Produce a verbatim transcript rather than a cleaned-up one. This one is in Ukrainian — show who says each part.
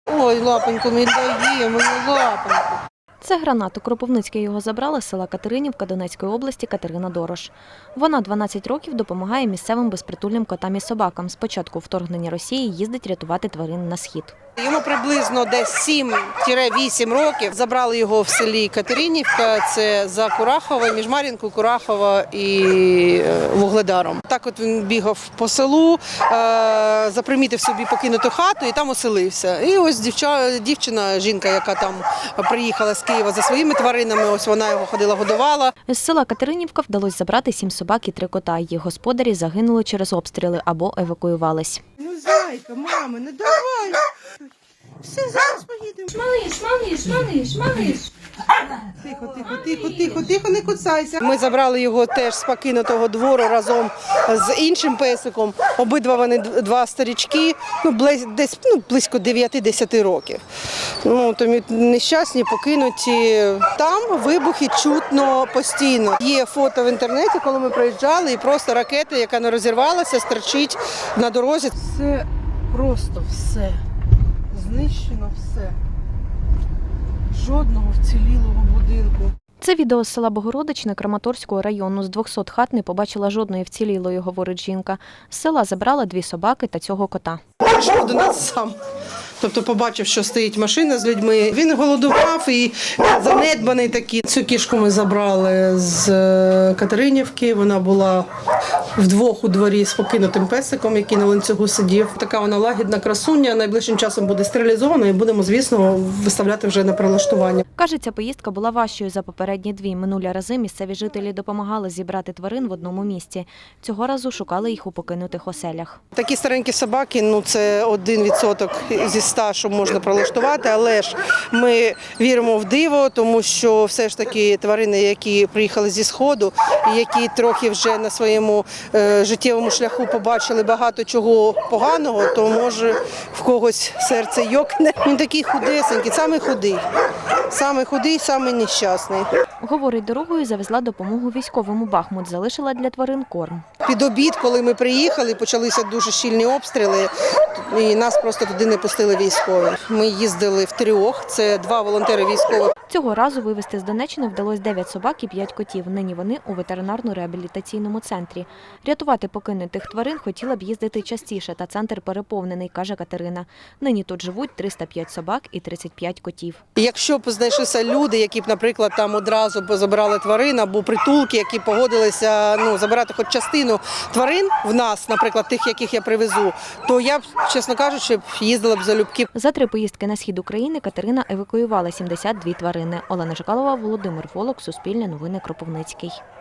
Speaker 1: Ой, лапоньку, ми даємо, лапоньку.
Speaker 2: Це Гранат. У Кропивницьке його забрала з села Катеринівка Донецької області Катерина Дорош. Вона дванадцять років допомагає місцевим безпритульним котам і собакам. З початку вторгнення Росії їздить рятувати тварин на схід.
Speaker 1: Йому приблизно десь сім-вісім років. Забрали його в селі Катеринівка, це за Курахова, між Мар'їнкою, Курахова і Вугледаром. Так от він бігав по селу, запримітив собі покинуту хату і там оселився. І ось дівча, дівчина, жінка, яка там приїхала з Києва за своїми тваринами, ось вона його ходила, годувала.
Speaker 2: З села Катеринівка вдалося забрати сім собак і три кота. Їх господарі загинули через обстріли або евакуювались.
Speaker 1: Ну, зайка, мама, не давай! Все, зараз поїдемо.
Speaker 3: Малиш, малиш, малиш, малиш.
Speaker 1: Тихо, тихо, тихо, тихо, тихо, не кусайся. Ми забрали його теж з покинутого двору разом з іншим песиком. Обидва вони два старічки, ну, десь ну, близько дев'яти-десяти років. Ну, тому нещасні, покинуті. Там вибухи чутно постійно. Є фото в інтернеті, коли ми приїжджали, і просто ракета, яка не розірвалася, стерчить на дорозі. Це просто все. Знищено все. Жодного вцілілого будинку.
Speaker 2: Це відео з села Богородичне Краматорського району. З двохсот хат не побачила жодної вцілілої, говорить жінка. З села забрала дві собаки та цього кота.
Speaker 1: Прийшов до нас сам. Тобто побачив, що стоїть машина з людьми. Він голодував і занедбаний такий. Цю кішку ми забрали з Катеринівки. Вона була вдвох у дворі з покинутим песиком, який на ланцюгу сидів. Така вона лагідна красуня. Найближчим часом буде стерилізована і будемо, звісно, виставляти вже на прилаштування.
Speaker 2: Каже, ця поїздка була важчою за попередні дві. Минулі рази місцеві жителі допомагали зібрати тварин в одному місці. Цього разу шукали їх у покинутих оселях.
Speaker 1: Такі старенькі собаки, ну це один відсоток зі ста, що можна прилаштувати, але ж ми віримо в диво, тому що все ж таки тварини, які приїхали зі Сходу, і які трохи вже на своєму е, життєвому шляху побачили багато чого поганого, то може в когось серце йокне. Він такий худесенький, самий худий, самий худий, самий нещасний.
Speaker 2: Говорить, дорогою завезла допомогу військовому. Бахмут залишила для тварин корм.
Speaker 1: Під обід, коли ми приїхали, почалися дуже щільні обстріли, і нас просто туди не пустили військові. Ми їздили в трьох, це два волонтери військових.
Speaker 2: Цього разу вивезти з Донеччини вдалося дев'ять собак і п'ять котів. Нині вони у ветеринарно-реабілітаційному центрі. Рятувати покинутих тварин хотіла б їздити частіше, та центр переповнений, каже Катерина. Нині тут живуть триста п'ять собак і тридцять п'ять котів.
Speaker 1: Якщо б знайшлися люди, які б, наприклад, там одразу б забирали тварин, або притулки, які погодилися ну, забирати хоч частину тварин в нас, наприклад, тих, яких я привезу, то я б, чесно кажучи, їздила б залюбки.
Speaker 2: За три поїздки на схід України Катерина евакуювала сімдесят дві тварини. Олена Жикалова, Володимир Волок, Суспільне новини, Кропивницький.